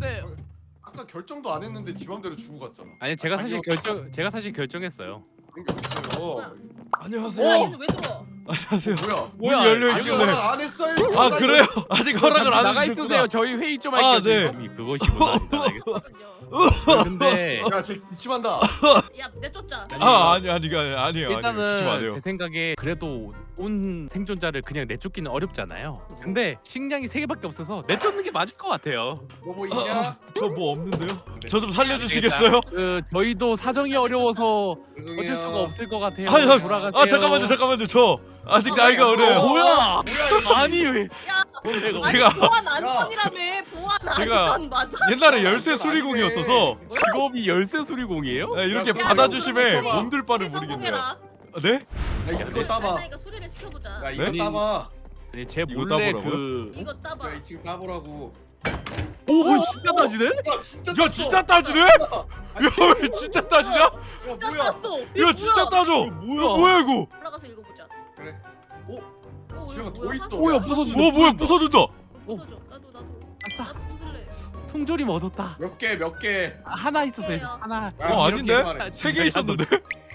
근데 아까 결정도 안 했는데 지 맘대로 주고 갔잖아. 아니 제가 사실 결정했어요. 생겼어요. 안녕하세요. 얘는 왜 들어? 안녕하세요. 뭐야? 문이 열려 아직 있길래. 허락 안 했어요. 아 그래요? 아직 허락을 안 나가 해주셨구나. 있으세요. 저희 회의 좀 아, 할게요. 네. 그것이구나. 알겠어. 근데 야쟤 기침한다. 야 내쫓자. 아니에요. 일단은 기침 안 해요. 제 생각에 그래도 온 생존자를 그냥 내쫓기는 어렵잖아요. 근데 식량이 3개밖에 없어서 내쫓는 게 맞을 것 같아요. 너 뭐 있냐? 저 뭐 없는데요? 저 좀 살려주시겠어요? 저희도 사정이 어려워서 죄송해요. 어쩔 수가 없을 것 같아요. 아, 돌아가세요. 잠깐만요. 저 아직 나이가 어려요. 뭐야? 뭐야? 아니 왜? 야, 내가 아니 제가- 보안 안전이라며. 보안 제가 안전 맞아. 옛날에 열쇠 수리공이었어서 직업이 열쇠 수리공이에요? 네, 이렇게 야, 받아주심에 수리- 몸둘 바를 수리 모르겠네요. 성공해라. 네? 야 이거 따봐. 그러니까 수리를 시켜보자. 야 이거 네? 따봐. 아니 제 이거 몰래 따보라고요? 이거 따봐. 야 2층 따보라고. 오 진짜 따지네? 야 진짜. 야 땄어. 진짜 따지네? 야 왜 진짜 따지냐? 야 진짜 뭐야? 땄어. 야 진짜 따져. 뭐야? 뭐야 이거? 올라가서 읽어보자. 그래. 오, 지영아, 이거 더 뭐야? 있어. 오야 부서진다. 뭐야 부서진다. 부서져. 나도 아싸. 나도 부술래. 통조림 얻었다. 몇 개 몇 개. 하나 있었어요. 해요. 하나. 아닌데? 말해. 3개 있었는데?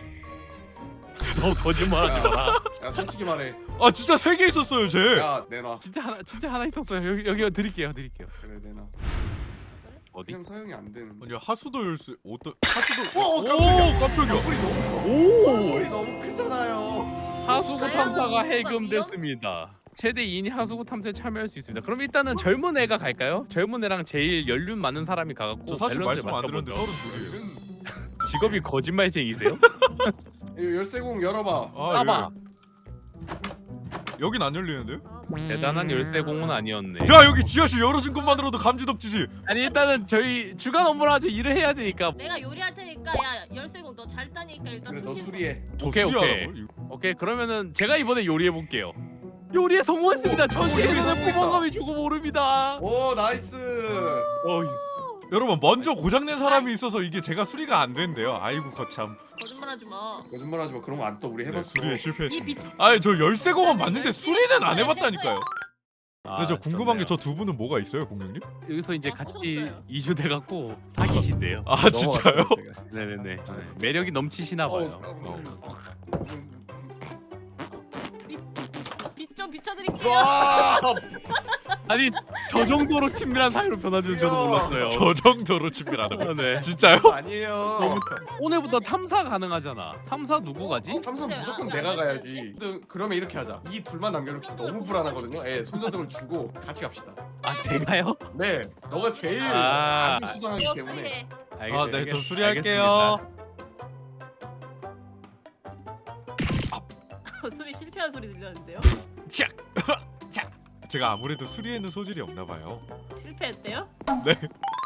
너 거짓말하지 마라. 야 솔직히 말해. 아 진짜 3개 있었어요 쟤. 야 내놔. 진짜 하나 있었어요. 여기 드릴게요. 그래 내놔. 어디? 그냥 사용이 안 되는. 아니 하수도 열쇠 어떤 하수도 오, 깜짝이야. 소리 너무. 오! 소리 너무 크잖아요. 하수구 다양한 탐사가 정보가 해금됐습니다. 최대 2인이 하수구 탐사에 참여할 수 있습니다. 그럼 일단은 젊은 애가 갈까요? 젊은 애랑 제일 연륜 많은 사람이 가갖고 저 사실 밸런스를 말씀 안 드렸는데 맞춰보죠. 32이에요. 직업이 거짓말쟁이세요? 이거 열쇠공 열어봐. 따봐. 여긴 안 열리는데요? 대단한 열쇠공은 아니었네. 야 여기 지하실 열어준 것만으로도 감지덕지지. 아니 일단은 저희 주간 업무를 하죠. 일을 해야 되니까. 내가 요리할 테니까 야 열쇠공 너 잘 따니까 일단 그래 너 수리. 수리해. 저 오케이, 수리하라고요? 이거. 오케이 그러면은 제가 이번에 요리해 볼게요. 요리에 성공했습니다. 전체 요리 에서 성공했다. 포만감이 주고 모릅니다. 오 나이스. 여러분 먼저 고장낸 사람이 있어서 이게 제가 수리가 안 된대요. 아이고 거참. 거짓말하지 마. 거짓말하지 마. 그런 거 안 떠. 우리 네, 해봤어. 수리에 이 실패했습니다. 빛. 아니 저 열쇠공은 맞는데 수리는 안 해봤다니까요. 아, 근데 저 궁금한 게 좋네요. 저 두 분은 뭐가 있어요, 공룡님? 여기서 이제 아, 같이 부쉈어요. 이주돼 갖고 사귀신대요. 아 진짜요? 네네네. 네. 매력이 넘치시나 봐요. 빛 좀 비춰드릴게요. 와. 아니 저 정도로 친밀한 사이로 변화줄 저도 몰랐어요. 저 정도로 친밀하는 거. 네. 진짜요? 아니에요. 오늘부터 탐사 가능하잖아. 탐사 누구 가지? 삼성 근데 무조건 아, 내가 아, 가야지. 그러면 이렇게 하자. 이 둘만 남겨놓기 너무 불안하거든요. 예, 손전등을 주고 같이 갑시다. 아 제가요? 네, 너가 제일 아. 아주 수상하기 너 때문에. 수리해. 알겠어요. 아, 네, 저 알겠- 수리할게요. 수리 실패한 소리 들렸는데요? 짝. 제가 아무래도 수리에는 소질이 없나 봐요. 실패했대요? 네.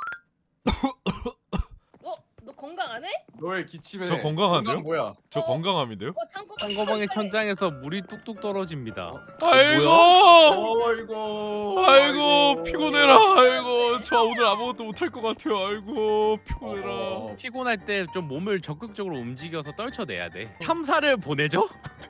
너 건강 안 해? 너의 기침에. 저 건강한데요? 건강 뭐야? 저 건강함인데요? 창고. 상거방의 천장에서 물이 뚝뚝 떨어집니다. 아이고. 어이구. 아이고 피곤해라. 아이고 저 오늘 아무것도 못할 것 같아요. 아이고 피곤해라. 피곤할 때 좀 몸을 적극적으로 움직여서 떨쳐내야 돼. 탐사를 보내죠?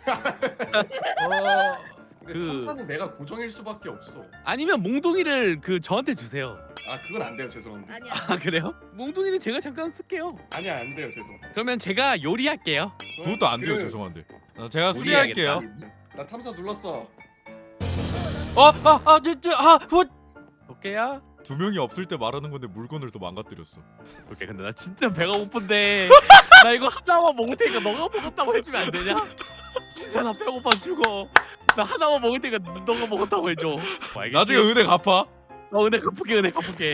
근데 그- 탐사는 내가 고정일 수밖에 없어. 아니면 몽둥이를 그한테 주세요. 아 그건 안 돼요, 죄송합니다. 아니야. 아 그래요? 몽둥이는 제가 잠깐 쓸게요. 아니야 안 돼요, 죄송. 그러면 제가 요리할게요. 그것도 안 돼요. 죄송한데. 제가 수리할게요. 나 탐사 눌렀어. 진짜 오케이야? 두 명이 없을 때 말하는 건데 물건을 또 망가뜨렸어. 오케이 근데 나 진짜 배가 고픈데 나 이거 하나만 먹을 테니까 너가 먹었다고 해주면 안 되냐? 진짜 나 배고파 죽어. 나 하나만 먹을 테니까 너가 먹었다고 해줘. 알겠지? 나중에 은혜 갚아. 은혜 갚을게.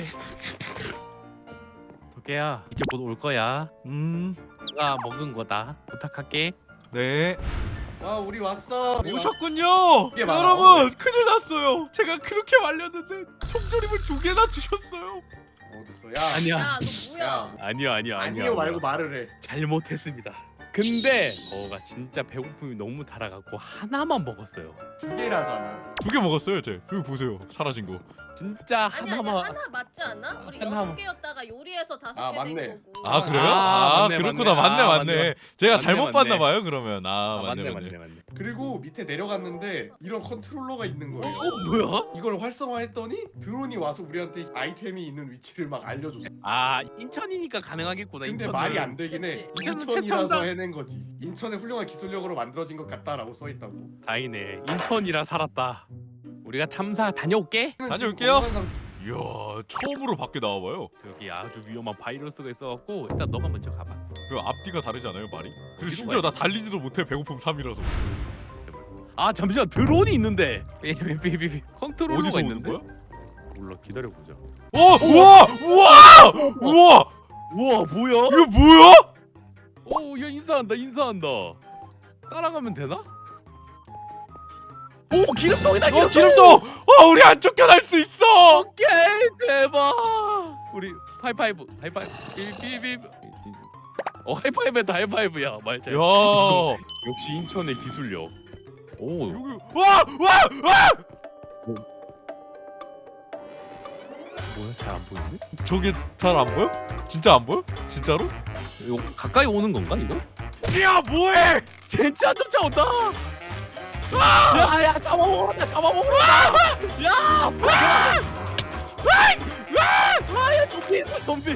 도깨야 이제 곧 올 거야. 내가 먹은 거다. 부탁할게. 네. 아 우리 왔어. 오셨군요. 이게 많아. 여러분 큰일 났어요. 제가 그렇게 말렸는데 총조림을 2개나 주셨어요. 어딨어? 야. 아니야. 야, 너 뭐야? 야. 아니요. 아니요 말고 말을 해. 잘못했습니다. 근데 저가 진짜 배고픔이 너무 달아갖고 하나만 먹었어요. 2개라잖아. 2개 먹었어요, 쟤. 여기 보세요. 사라진 거. 진짜 아니 아니 하나만. 하나 맞지 않아? 우리 하나만. 6개였다가 요리해서 5개 아, 된 맞네. 거고. 아 그래요? 아, 아, 맞네, 그렇구나. 맞네. 아, 맞네. 제가 맞네, 잘못 맞네. 봤나 봐요. 그러면 맞네. 맞네. 그리고 밑에 내려갔는데 이런 컨트롤러가 있는 거예요. 뭐야? 이걸 활성화했더니 드론이 와서 우리한테 아이템이 있는 위치를 막 알려줬어. 아 인천이니까 가능하겠구나. 근데 인천은. 말이 안 되긴 해. 그치. 인천이라서 최첨단. 해낸 거지. 인천의 훌륭한 기술력으로 만들어진 것 같다라고 써 있다고. 다행이네. 인천이라 살았다. 우리가 탐사 다녀올게. 다녀올게요. 이야 처음으로 밖에 나와봐요. 여기 아주 위험한 바이러스가 있어갖고 일단 너가 먼저 가봐. 그 앞뒤가 다르지 않아요 말이? 그리고 뒤로 심지어 가야 나 달리지도 못해 배고픔 3이라서. 아 잠시만 드론이 있는데. 삐삐삐삐 컨트롤러가 어디서 오는 있는데. 거야? 몰라 기다려 보자. 우와! 우와! 우와 뭐야? 이거 뭐야? 야 인사한다. 따라가면 되나? 오 기름통이다. 기름통! 우리 안 쫓겨날 수 있어! 오케이 대박. 우리 하이파이브. 삐삐삐. 하이파이브다 하이파이브야 말 잘. 야 역시 인천의 기술력. 오 여기 뭐야 잘 안 보이는데? 저게 잘 안 보여? 진짜 안 보여? 진짜로? 이거 가까이 오는 건가 이거? 야 뭐해? 진짜 쫓아온다. 야야 잡아먹으라 야! 아야 좀비.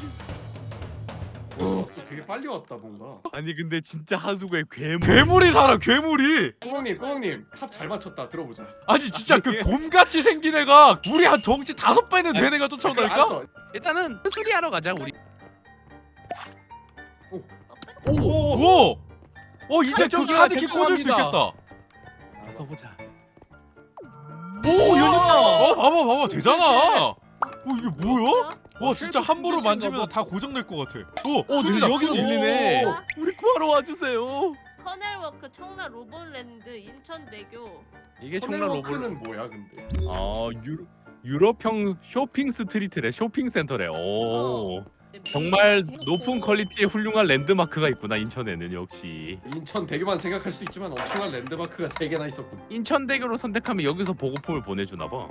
되게 빨리 왔다 뭔가. 아니 근데 진짜 하수구에 괴물. 괴물이 살아 괴물이. 꾸멍님 합 잘 맞췄다. 들어보자. 아니 진짜 그 곰같이 생긴 애가 우리 한 덩치 5배는 된 애가 쫓아온다니까? 알았어. 일단은 수리하러 가자 우리. 오! 이제 그 저기요, 카드키 꽂을 수 죄송합니다. 있겠다. 가서 보자. 오 열렸다. 봐봐 되잖아. 이게 뭐야? 와 진짜 쉐이프 함부로 function 만지면 가 다 고장날 것 같아. 근데 여기도 суд이. 들리네. 오. 우리 구하러 와주세요. 커넬워크 청라 로본랜드 인천대교. 이게 청라 로봇. 커넬워크는 뭐야 근데? 유럽형 쇼핑 스트리트래. 쇼핑센터래. 오. 정말 높은 퀄리티의 훌륭한 랜드마크가 있구나 인천에는 역시. 인천 대교만 생각할 수 있지만 엄청난 랜드마크가 3개나 있었군. 인천대교로 선택하면 여기서 보급품을 보내주나 봐.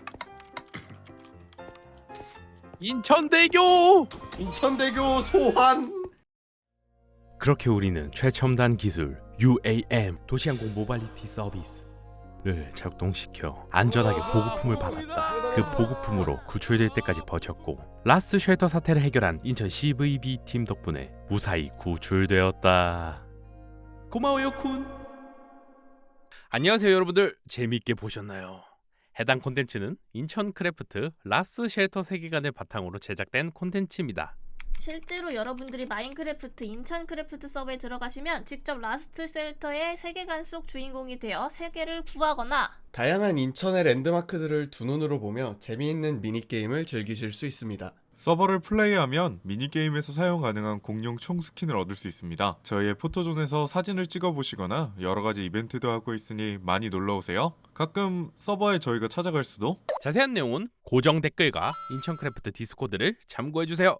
인천대교. 인천대교 소환. 그렇게 우리는 최첨단 기술 UAM 도시항공 모빌리티 서비스를 작동시켜 안전하게 보급품을 받았다. 그 보급품으로 구출될 때까지 버텼고 라스 쉘터 사태를 해결한 인천 CVB 팀 덕분에 무사히 구출되었다. 고마워요 쿤. 안녕하세요 여러분들. 재미있게 보셨나요? 해당 콘텐츠는 인천 크래프트 라스 쉘터 세계관을 바탕으로 제작된 콘텐츠입니다. 실제로 여러분들이 마인크래프트 인천 크래프트 서버에 들어가시면 직접 라스트 쉘터의 세계관 속 주인공이 되어 세계를 구하거나 다양한 인천의 랜드마크들을 두 눈으로 보며 재미있는 미니게임을 즐기실 수 있습니다. 서버를 플레이하면 미니게임에서 사용 가능한 공룡 총 스킨을 얻을 수 있습니다. 저희의 포토존에서 사진을 찍어보시거나 여러가지 이벤트도 하고 있으니 많이 놀러오세요. 가끔 서버에 저희가 찾아갈 수도. 자세한 내용은 고정 댓글과 인천크래프트 디스코드를 참고해주세요.